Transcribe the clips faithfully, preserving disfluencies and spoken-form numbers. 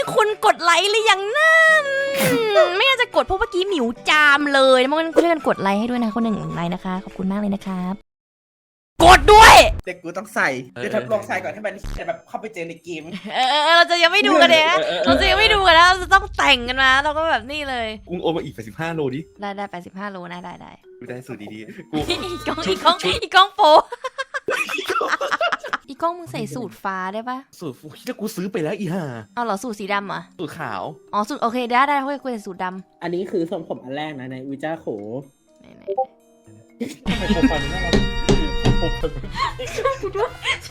คุณกดไลค์หรือยังนั่นไม่น่าจะกดเพราะเมื่อกี้หมิวจามเลยมันช่วยกันกดไลค์ให้ด้วยนะคนหนึ่งไลค์นะคะขอบคุณมากเลยนะครับกดด้วยเด็กกูต้องใส่เดี๋ยวทดลองใส่ก่อนให้มันแบบเข้าไปเจอในเกมเออเราจะยังไม่ดูกันเลยเราจะยังไม่ดูกันแล้วเราจะต้องแต่งกันมาเราก็แบบนี่เลยอุ้งโอมาอีกแปดสิบห้าโลดิได้ได้แปดสิบห้าโลนะได้ได้ดูได้สุดดีๆกูอีกล้องอีกล้องอีกล้องโปอีกล้องมึงใส่สูตรฟ้าได้ปะสูตรถ้ากูซื้อไปแล้วอีห่าเอาเหรอสูตรสีดำอ่ะสูตรขาวอ๋อสูตรโอเคได้ได้เฮ้ยกูใส่สูตรดำอันนี้คือทรงผมอันแรกนะในวิจาโขไหนไหนทำไมผมฟันน่ารักผมฟันช่วยกูด้วย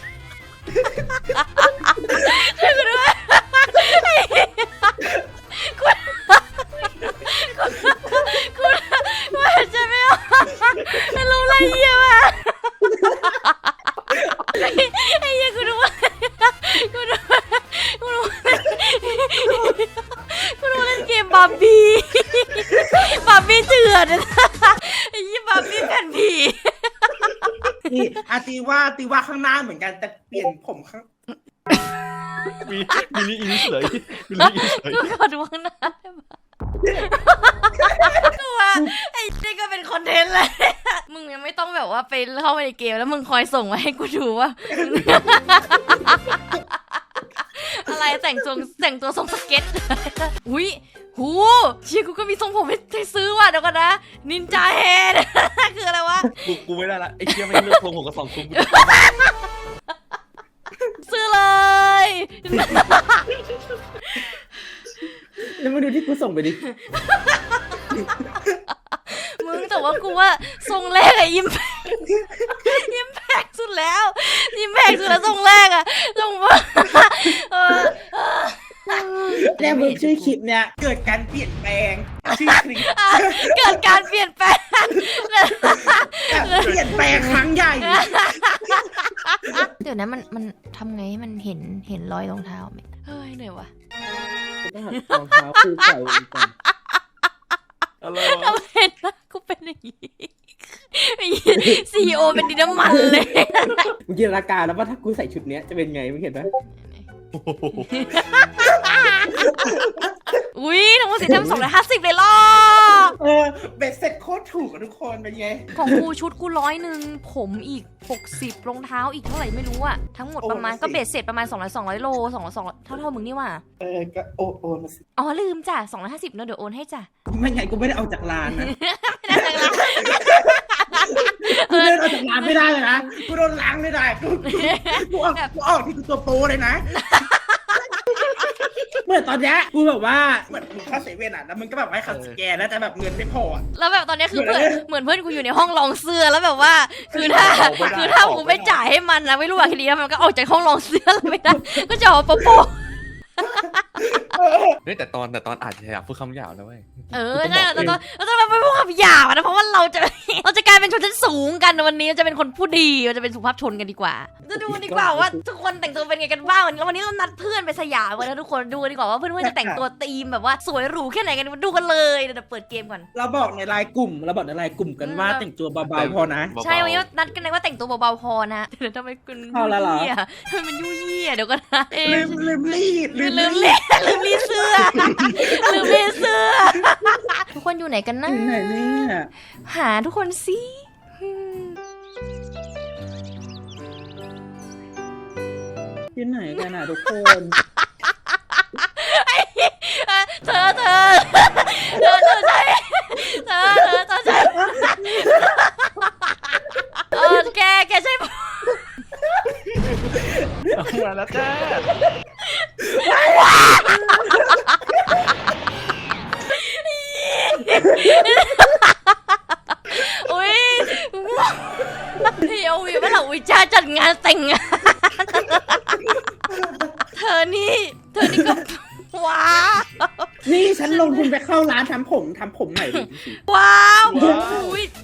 ช่วยกูด้วยคุณคุณว่าจะไม่ออกไม่รู้อะไรเยี่ยมอ่ะไอ้เหี้ยกูรู้ว่ากูรู้กูรู้กูรู้เล่นเกมบาร์บี้บาร์บี้เถื่อนไอ้ยี่บาร์บี้แผ่นผีนี่อาตีว่าตีว่าข้างหน้าเหมือนกันแต่เปลี่ยนผมข้างมีมีนี่อินเฉยมีนี่อินเฉยกูขอดูข้างหน้าได้ปะกูว่าไอ้นี่ก็เป็นคอนเทนต์เลยมึงยังไม่ต้องแบบว่าไปเข้าไปในเกมแล้วมึงคอยส่งมาให้กูดูว่าอะไรแต่งทรงแต่งตัวทรงสเก็ตอุ้ยหูเชี่ยกูก็มีทรงผมให้ซื้อว่ะเดี๋ยวก่อนนะนินจาเฮดคืออะไรวะกูกูไม่ได้ละไอ้เชี่ยไม่เลือกทรงผมกับสองทรงซื้อเลยแล้วมาดูที่กูส่งไปดิมึงแต่ว่ากูว่าทรงแรกอะยิ้มยิ้มแพกสุดแล้วยิ้มแพกสุดแล้วทรงแรกอะทรงว่าแน่มึงชื่อคลิปเนี่ยเกิดการเปลี่ยนแปลงชื่อคลิปเกิดการเปลี่ยนแปลงเปลี่ยนแปลงครั้งใหญ่เดี๋ยวนะมันมันทำไงให้มันเห็นเห็นรอยรองเท้าไหมเฮ้ยเหนื่อยวะรองเท้าคู่ใส่ก่อนอะไรวะทำไมนะกูเป็นอย่างนี้ซีอีโอเป็นดินน้ำมันเลยมึงจินตนาการแล้วว่าถ้ากูใส่ชุดนี้จะเป็นไงมึงเห็นไหมอุ้ยทั้งหมดสิทำสองร้อยห้าสิบเลยล่ะเออเบ็ดเสร็จโคตรถูกทุกคนเป็นไงของกูชุดกูร้อยหนึ่งผมอีกหกสิบรองเท้าอีกเท่าไหร่ไม่รู้อะทั้งหมดประมาณก็เบ็ดเสร็จประมาณสองร้อยสองร้อยโลสองร้อยสองเท่าเท่ามึงนี่ว่ะเออก็โอนโอนมาสิอ๋อลืมจ้ะสองร้อยห้าสิบเนอะเดี๋ยวโอนให้จ้ะไม่ไงกูไม่ได้เอาจากร้านนะกูเดินออกจากร้านไม่ได้เลยนะกูโดนล้างไม่ได้กูกูออกกูออกที่กูตัวโปเลยนะเหมือนตอนนี้กูแบบว่าเหมือนมึงเข้าเซเว่นอ่ะแล้วมึงก็แบบให้เขาสแกนแล้วแต่แบบเงินไม่พอแล้วแบบตอนนี้คือเพื่อนเหมือนเพื่อนกูอยู่ในห้องรองเสื้อแล้วแบบว่าคือถ้าคือถ้ากูไม่จ่ายให้มันนะไม่รู้ว่าคดีแล้วมันก็ออกจากห้องรองเสื้อแล้วไม่ได้ก็จะออกโปโปเฮ้ยแต่ตอนแต่ตอนอาจจะอยากพูดคำหยาบนะเว้ยเออใช่เราต้องเราต้องไปพูดคำหยาบนะเพราะว่าเราจะเราจะกลายเป็นชนชั้นสูงกันวันนี้จะเป็นคนผู้ดีเราจะเป็นสุภาพชนกันดีกว่าจะดูดีกว่าว่าทุกคนแต่งตัวเป็นไงกันบ้างวันนี้วันนี้เรานัดเพื่อนไปสยามกันนะทุกคนดูดีกว่าว่าเพื่อนๆจะแต่งตัวธีมแบบว่าสวยหรูแค่ไหนกันดูกันเลยเดี๋ยวเปิดเกมก่อนเราบอกในไลน์กลุ่มเราบอกในไลน์กลุ่มกันว่าแต่งตัวเบาๆพอนะใช่วันนี้นัดกันเลยว่าแต่งตัวเบาๆพอนะเดี๋ยวทำไมคุณยุ่ยยี่อ่ะทำไมมันยุ่ยยี่อ่ะเดี๋ยวก็นะลืมลืมรีดลืมลืมรีดลืมรีดเสื้อลืมรีดเสื้อทุกคนอยู่ไหนกันนะไหนเนี่ยหาทุกคนสิอยู่ไหนกันอ่ะทุกคนเธอเธอเธอเธอใช่เธอเธอเธอใช่เออแกแกใช่เอามาแล้วจ้าอุ้ยเดี๋ยววิวว่าเราวิจาจัดงานแต่งงานเธอนี่เธอนี่ก็ว้าวนี่ฉันลงทุนไปเข้าร้านทำผมทำผมใหม่ดิว้าวอุ้ย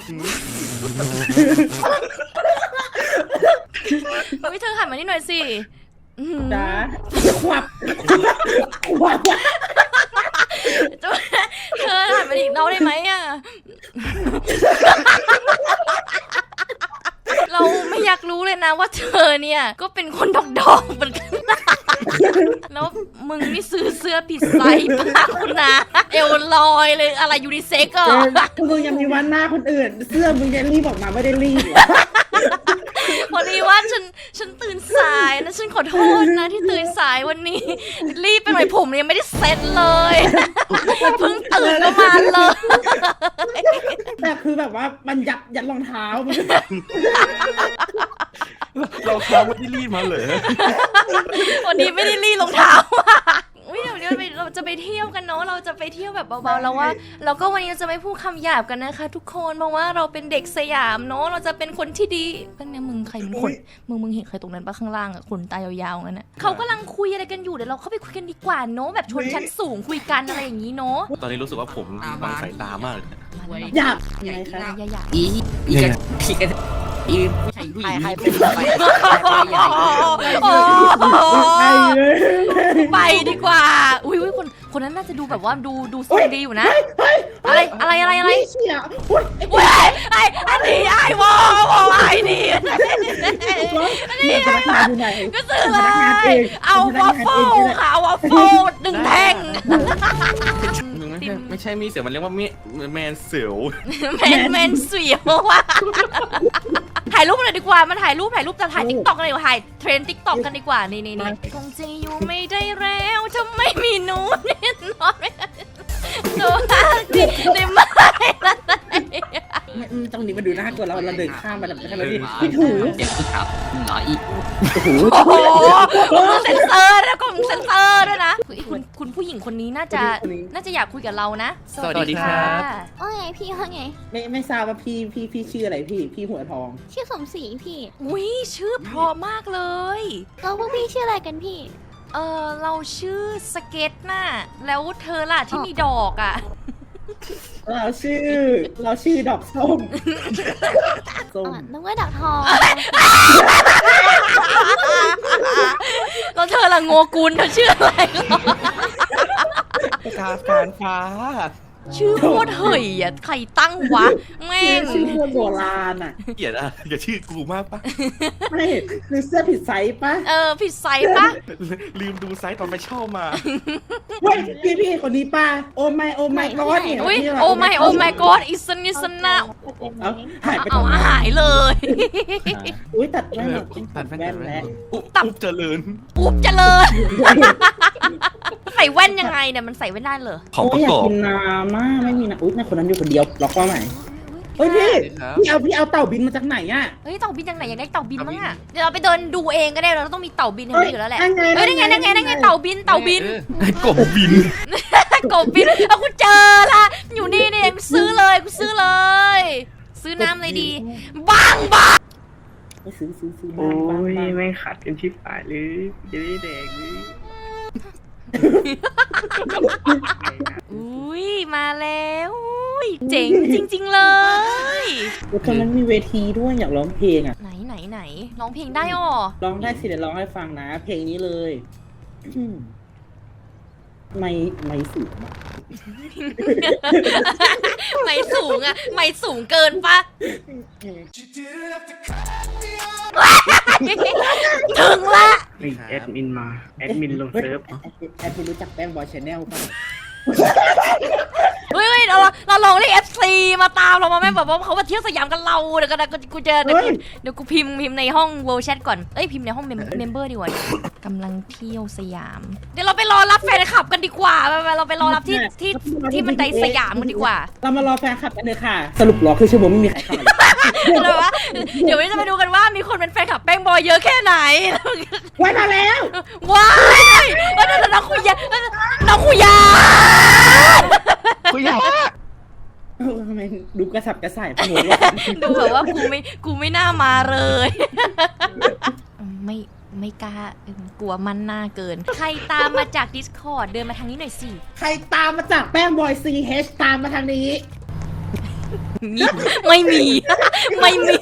อุ้ยเธอหันมานี่หน่อยสิจ้าขวับขวับเธอหันมาอีกเราได้ไหมอ่ะเราไม่อยากรู้เลยนะว่าเธอเนี่ยก็เป็นคนดอกดอกเหมือนกันแล้วมึงนี่ซื้อเสื้อผิดไซส์ปะคุณนะเอวลอยเลยอะไรยูนิเซ็กอ่ะมึงยังมีวันหน้าคนอื่น เสื้อมึงจะรีบออกมาไม่ได้รีบพอดีว่าฉันฉันตื่นสายนะฉันขอโทษนะที่ตื่นสายวันนี้ รีบไปหน่อยผมยังไม่ได้เซ็ตเลยเพิ่งตื่นก็มาเลยแต่คือแบบว่ามันยัดยัดรองเท้ามันเราค้างไม่ได้รีดมาเลยวันนี้ไม่ได้รีดรองเท้ามาอุ้ยเดี๋ยวนี้เราจะไปเที่ยวกันเนาะเราจะไปเที่ยวแบบเบาๆแล้วว่าเราก็วันนี้จะไม่พูดคำหยาบกันนะคะทุกคนเพราะว่าเราเป็นเด็กสยามเนาะเราจะเป็นคนที่ดีเป็นเนี่ยมึงใครเป็นคนมึงมึงเห็นใครตรงนั้นปะข้างล่างอะขนตายาวๆงั้นอะเขากำลังคุยอะไรกันอยู่เดี๋ยวเราเข้าไปคุยกันดีกว่าเนาะแบบชนชั้นสูงคุยกันอะไรอย่างนี้เนาะตอนนี้รู้สึกว่าผมบังสายตามากเลยหยาบยังไงคะอย่าอย่าอีอีกอีกอีผู้ชายผู้หญิงใครเป็นไปโอ้ไปเลยไปดีกว่าอุ้ยอุ้ยคนคนนั้นน่าจะดูแบบว่าดูดูทรงดีอยู่นะ อะไรอะไรอะไรอะไรเชี่ยอุ้ยเว้ยไอ้อันนี้ไอ้วอวอไอ้นี่นี่พนักงานอยู่ไหนก็ซื้อเลยเอาวอฟเฟิลค่ะเอาวอฟเฟิลหนึ่งแท่งมึงไม่ใช่ไม่ใช่มีเสียวมันเรียกว่ามีแมนเสียวแมนแมนเสียวว่ะถ่ายรูปเลยดีกว่ามันถ่ายรูปถ่ายรูปจะถ่ายติ๊กต็อกกันดีกว่าถ่ายเทรนติ๊กต็อกกันดีกว่านี่นี่นี่คงจะอยู่ไม่ได้แล้วถ้าไม่มีหนูแน่นอนไม่ได้ตัวดีได้ไหมล่ะตรงนี้มาดูน่ากลัวเราเราเดินข้ามมาแบบนั้นแล้วพี่ถูเจ็บที่ขับหน่อยอีกโอ้โหเซนเซอร์แล้วก็เซนเซอร์ด้วยนะคุณคุณผู้หญิงคนนี้น่าจะน่าจะอยากคุยกับเรานะสวัสดีครับว่าไงพี่ว่าไงไม่ไม่ทราบว่าพี่พี่พี่ชื่ออะไรพี่พี่หัวทองชื่อสมศรีพี่อุ้ยชื่อเพราะมากเลยแล้วพวกพี่ชื่ออะไรกันพี่เออเราชื่อสเก็ตน่ะแล้วเธอล่ะที่มีดอกอ่ะเราชื่อ เราชื่อดอกส้มส้มอ่ะนึกว่าดักทองแล้วเธอล่ะโงกุลเธอชื่ออะไรกาการฟ้าชื่อโคตรเห่ยอ่ะใครตั้งวะแม่ชื่อง ชื่อคนโบราณอ่ะเกลียดอ่ะอย่าชื่อกูมากปะไม่คือเสื้อผิดไซส์ปะเออผิดไซส์ปะลืมดูไซส์ตอนไปเช่ามาเฮ้ยพี่พี่คนนี้ป้าโอ้ไม่โอ้ไม่ก็เนี่ยอุ้ยพี่ะโอ้ไม่โอ้ไม่กอดอิสนิสนะเอาหายไปเอาตรงไหนหายเลยอุ้ยตัดแว่นเออตัดแว่นแล้วอุ๊บอุ๊บเจริญอุ๊บเจริญใส่แว่นยังไงเนี่ยมันใส่แว่นได้เหรอของประโยอยากอบกินน้ำมากไม่มีนะอุ้ยในคนนั้นอยู่คนเดียวล็อกว่าไหนเฮ้ยพี่ครับพี่เอาพี่เอาเต่าบินมาจากไหนอ่ะเฮ้ยเต่าบินยังไหนอยากได้เต่าบินมั้งอ่ะเดี๋ยวเราไปเดินดูเองก็ได้เราต้องมีเต่าบินอย่างนี้อยู่แล้วแหละนั่นไงเฮ้ยนั่นไงนั่นไงนั่นไงเต่าบินเต่าบินไอ้กบบินกบบินเอากูเจอละอยู่นี่นี่เองซื้อเลยกูซื้อเลย ซื้อน้ำเลยดีบ้างบ้างไปซื้อซื้อซื้อโอ้บ้างยบ้างไม่ขัดกันชิบหายเลยจะได้แดงเลยอุ้ยมาแล้วอุ้ยเจ๋งจริง ๆเลยแล้วตอนนั้นมีเวทีด้วยอยากร้องเพลงอ่ะไหนไหนไหนร้องเพลงได้อ๋อร้องได้สิเดี๋ยวร้องให้ฟังนะ เพลงนี้เลยอืมไม่ไม่สูงอะไม่สูงอะไม่สูงเกินปะถึงละนี่แอดมินมา แอดมินลงเซิร์ฟแอดมินรู้จักแป้งบอยชาแนลป่ะเฮ้ยเฮ้ยเราเราลองเรียก เอฟ ซี มาตามเรามาแม่แบบว่าเขามาเที่ยวสยามกันเราเดี๋ยวกันนะกูเจอเดี๋ยวกูเดี๋ยวกูพิมพ์พิมพ์ในห้อง World Chat ก่อนเอ้ยพิมพ์ในห้องเมมเบอร์ดีกว่ากำลังเที่ยวสยาม เดี๋ยวเราไปรอรับแฟนคลับกันดีกว่าไปไปเราไปรอรับที่ที่ที่บันไดสยามกันดีกว่าเรามารอแฟนคลับกันเลยค่ะ สรุปรอคือชั่วโมงไม่มีใครเข้ามาเลยเดี๋ยวว่าเดี๋ยววันนี้จะไปดูกันว่ามีคนเป็นแฟนคลับแป้งบอยเยอะแค่ไหนไว้มาแล้วว้ายแล้วเดี๋ยวน้องคุยาน้องคุยากูอยากเออทำไมดูกระสับกระส่ายพวกว่าดูแบบว่ากูไม่กูไม่น่ามาเลย ไม่ไม่กล้าเออกลัวมันหน้าเกิน ใครตามมาจาก Discord เดินมาทางนี้หน่อยสิใครตามมาจากแป้งบอยซีเฮชตามมาทางนี้มีไม่มี ไม่มี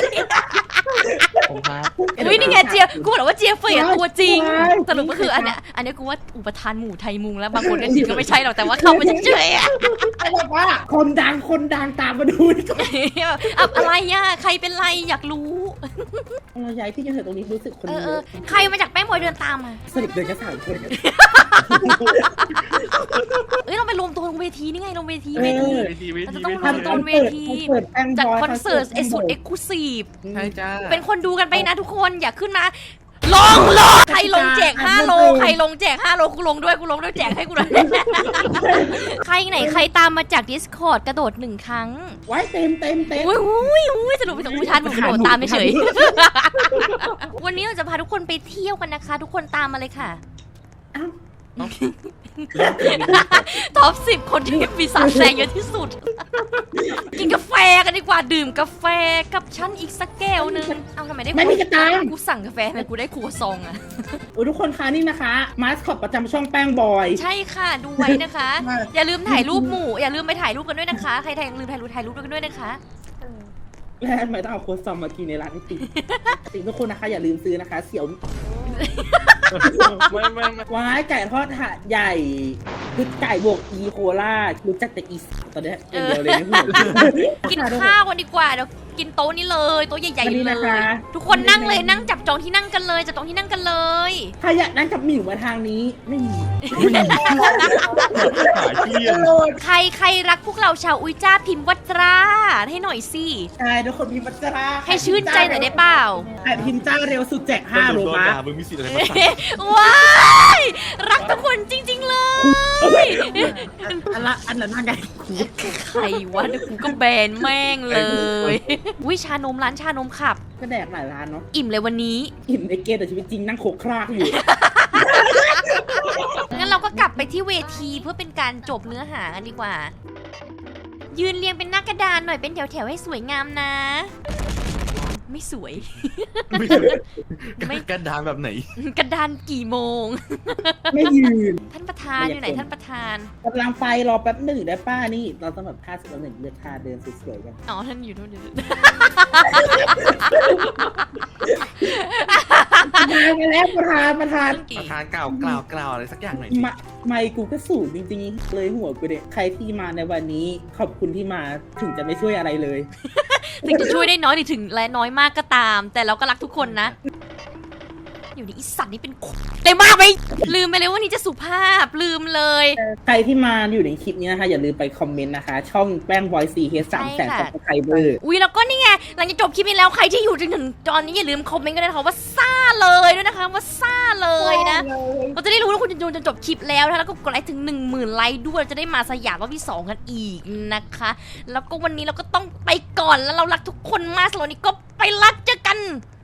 ผมครับอุ้ยนี่ไงเจียกูบอกว่าเจียเฟยตัวจริงสรุปก็คืออันเนี้ยอันเนี้ยกูว่าอุปทานหมู่ไทยมุงแล้วบางคนก็คิดก็ไม่ใช่หรอกแต่ว่าเข้ามาเฉยๆอะไอ้บอกว่าคนดังคนดังตามมาดูดีกว่าแบบอะอะไรอ่ะใครเป็นไรอยากรู้เราย้ายที่จะเถอะตรงนี้รู้สึกคนเออเยเอออะใครมาจากแป้งบอยเดินตามมาสรุปเดินแค่สามคนเอ้ยเราไปรวมตัวลงเวทีนี่ไงลงเวทีเวทีเวทีเวเราทีจะต้องเวรวมทีตัวเวทีเปิดแป้งจัดบอยคอนเสิร์ตแป้เอ็งกบซ์สุดยเอ็กซ์คลูซีฟใช่จ้าเป็นคนดูกันไปนะทุกคนอย่าขึ้นมาลงลงใครลงแจกห้าโลใครลงแจกห้าโลกูลงด้วยกูลงด้วยแจกให้กูด้วยใครไหนใครตามมาจาก Discord กระโดดหนึ่งครั้งไว้เต็มเต็มเต็มอุ้ยอุ้ยอุ้ยสรุปไปถึงอุทานหนูกระโดดตามเฉยๆวันนี้เราจะพาทุกคนไปเที่ยวกันนะคะ ทุกคนตามมาเลยค่ะท็อปสิบคนที่มีสารแซงเยอะที่สุด กินกาแฟกันดีกว่าดื่มกาแฟกับฉันอีกสักแก้วนึงเอาทำไมได้ไม่มีกระตังกูสั่งกาแฟทำไมกูได้ครัวซองอะโอ้ยทุกคนคะนี่นะคะมาสคอตประจำช่องแป้งบอยใช่ค่ะดูไว้นะคะ อย่าลืมถ่ายรูปหมู่อย่าลืมไปถ่ายรูปกันด้วยนะคะใครถ่ายลืมถ่ายรูปถ่ายรูปกันด้วยนะคะและทำไมต้องเอาโค้ดซอมมากินในร้านไอติมสิ่งทุกคนนะคะอย่าลืมซื้อนะคะ เสี่ยวไม่ไม่ไม่ว้ายไก่ทอดถาดใหญ่คือไก่บวกอีโคล่ารู้จักแต่อีสตอนเนี้ยอย่างเดียวเลยนะกินข้าวกันดีกว่าเดี๋ยวกินโต๊ะนี้เลยโต๊ะใหญ่วันนี้ๆเลนะคะยทุกคนนั่งเลยนั่งจับจองที่นั่งกันเลยจับจองที่นั่งกันเลยถ้าอยากนั่งกับหมิวมาทางนี้ไม่มีหาเที่ยงใครใครรักพวกเราชาวอุยจ้าพิมพ์วัตราให้หน่อยสิใช่ทุกคนพิมพ์วัจราให้ชื่นใจหน่อยได้เปล่าใครพิมพ์จ้าเร็วสุดแจกห้าโลมามึงมีสิทธิ์อะไรมาสั่งว้ายรักทุกคนจริง ๆ เลยอันละอันนั้นไงใครวะเดี๋ยวกูก็แบนแม่งเลยวิชานมร้านชานมขับก็แดกหลายร้านเนาะอิ่มเลยวันนี้อิ่มในเกมแต่ชีวิตจริงนั่งโขกครากอยู่งั้นเราก็กลับไปที่เวทีเพื่อเป็นการจบเนื้อหากันดีกว่า ยืนเรียงเป็นหน้ากระดานหน่อยเป็นแถวๆให้สวยงามนะ ไม่สวยไม่กระดานแบบไหนกระดานกี่โมงไม่ยืนท่านประธานอยู่ไหนท่านประธานกำลังไปรอแป๊บหนึ่งได้ป้านี่เราต้องแบบท่าสิบหนึ่งเลือกท่าเดินสวยๆกันอ๋อท่านอยู่นู่นอยู่นู่นมาแล้วประธานประธานประธานกล่าวกล่าวกล่าวอะไรสักอย่างหน่อยมาไม่กูก็สูงจริงๆเลยหัวกูเด็กใครที่มาในวันนี้ขอบคุณที่มาถึงจะไม่ช่วยอะไรเลยถึงจะช่วยได้น้อยหรือถึงและน้อยมากก็ตาม แต่เราก็รักทุกคนนะ อยู่ในอีสัตว์นี่เป็นได้มากไปลืมไปเลยว่านี่จะสุภาพลืมเลยใครที่มาอยู่ในคลิปนี้นะคะอย่าลืมไปคอมเมนต์นะคะ ช่องแป้งบอยซีเฮสามแสนซับสไครเบอร์อุ้ยแล้วก็นี่ไงหลังจากจบคลิปนี้แล้วใครที่อยู่จนถึงตอนนี้อย่าลืมคอมเมนต์กันด้วยนะคะว่าซ่าเลยด้วยนะคะว่าซ่าเลยนะเราจะได้รู้ว่าคุณจะดูจนจบคลิปแล้วนะแล้วก็กดไลค์ถึงหนึ่งหมื่นไลค์ด้วยจะได้มาสยามรอบที่สองกันอีกนะคะ แล้วก็วันนี้เราก็ต้องไปก่อนแล้วเรารักทุกคนมากสำหรับวันนี้ก็ไปรักเจอกัน